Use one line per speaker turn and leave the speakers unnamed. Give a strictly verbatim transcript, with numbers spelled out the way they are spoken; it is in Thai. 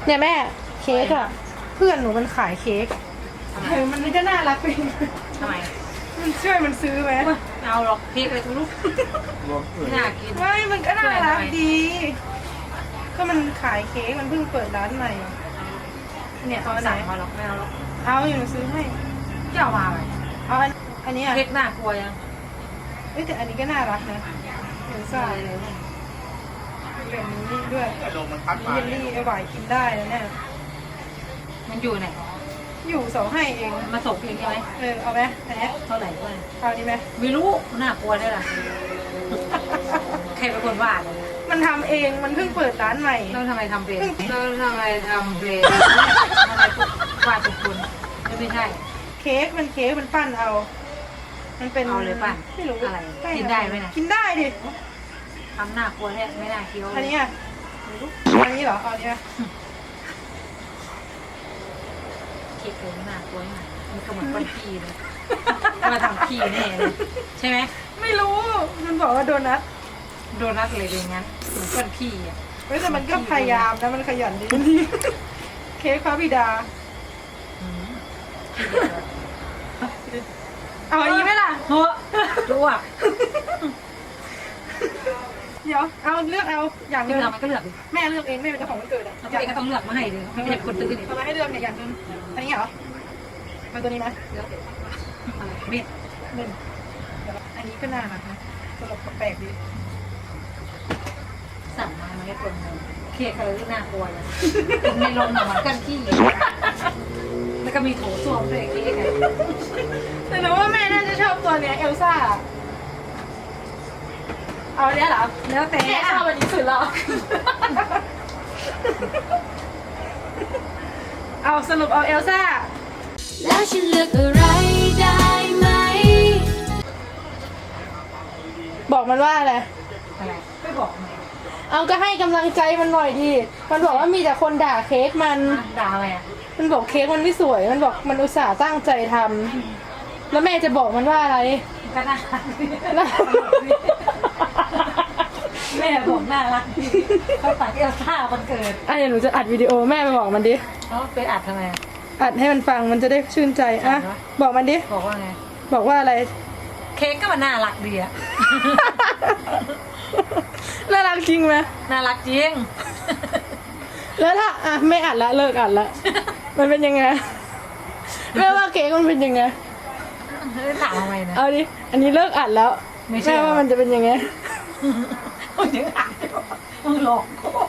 เนี่ยแม่เค้กอะเพื่อนหนูมันขายเค้กเออมันก็น่ารักไป
ทำไม
มันช่วยมันซื้อไหม
เอาหรอกเค้กเลยทุกลูกน่ากิน
ไม่มันก็น่ารักดีก็มันขายเค้กมันเพิ่งเปิดร้านใหม่เนี่ยเอาไหน
มาหรอกไม่เอาหรอก
เอาอยู่หนูซื้อให้
จะเอามาไหม
เอาอันนี้
เค้กน่ากลัวยัง
เอ้แต่อันนี้ก็น่ารักนะเห็นซ่าเลยแบบนี้ด้วยเยลลี่ไอหวายกินได้แล้วเนี่ย
มันอยู่ไหน
อยู่เสาให้เอง
มาส่งเองใช่ไหม
เออเอาไหมอันนี้
เท่าไหร่ก็
เอาดีไหม
ไม่รู้น่ากลัวได้ล่ะใครเป็นคนวาด
มันทำเองมันเพิ่งเปิดร้านใหม่
เราทำไมทำเป็นเราทำไมทำเป็นทำไมวาดทุกคนไม่ใช่
เค้กมันเค้กมันปั้นเอามันเป็น
เอาเลยปั้น
ไม่รู้
อะไรกินได้ไหมนะ
กินได้ดิ
ทำหน้ากลัวแท้ไม่น่าเคี้ยว
อันนี้อ่ะอันนี้เหรอเอาอันนี้
เค้กเลยน่ากลัวมากมันก็เหมือนก้อนขี้เลยมาทำขี้แน่เลยใช่ไหม
ไม่รู้มันบอกว่าโดนัท
โดนัทเลยเป็นงั้นเหมือนก้อนขี้อ่ะ
เฮ้ยแต่มันก็พยายามนะมันขยันดีเค้กพระบิดาเอาอันนี้ไหมล่ะ
เฮ้อดูอ่ะ
เดี๋ยวเอาเลือกเอาอย่างนึง
มันก็เลือก
แม่เลือกเองแม่เป็นเจ้าของวันเกิดอ่ะ
ตัวเองก็ต้องเลือกมาให้ดิไม่ใช่คนตื้อนี่
ทำไมให้เลือกเนี่ยอย่างนึงอันนี้เหรอมาตัวนี้ไหม
เม็ด
เม็ดอันนี้ก็น่ารักนะตลกแปลกดี
สั่งมาไม่ได้คนเค้กอะไรที่น่ากลัวเลยในโรงหนังมันกันขี้แล้วก็มีโถส้วมด้วยเค้กไง
แต่หนูว่าแม่น่าจะชอบตัวเนี้ยเอลซ่าเอาอันนี้เหรอ
แล้วแต่
แม่ชอบอันนี้สุดแล้วเอาสรุปเอาเอลซ่า
แล้วฉันเลือกอะไรได้ไหม
บอกมันว่าอะไร
อะไรไม่บอกไง
เอาก็ให้กำลังใจมันหน่อยดีมันบอกว่ามีแต่คนด่าเค้กมัน
ด่าอะไรอ่ะ
มันบอกเค้กมันไม่สวยมันบอกมันอุตส่าห์ตั้งใจทำแล้วแม่จะบอกมันว่าอะไร
ก็น่ารักแม่บอกน่ารักเขาตัดเอลซ่าวันเกิด
อ่ะเดี๋ยวหนูจะอัดวิดีโอแม่ไปบอกมันดิ
เขาไปอัดทำไม
อัดให้มันฟังมันจะได้ชื่นใจอ่ะบอกมันดิ
บอกว่าไง
บอกว่าอะไร
เค้กก็มันน่ารักดีอะ
น่ารักจริงไหม
น่ารักจริง
แล้วถ้าอ่ะไม่อัดละเลิกอัดละมันเป็นยังไงแม่ว่าเค้กมันเป็นยังไง
ถามทำไมนะ
เอาดิอันนี้เลิกอัดแล้วแม่ว่ามันจะเป็นยังไง
มึงยังอัดมึงหลอกกู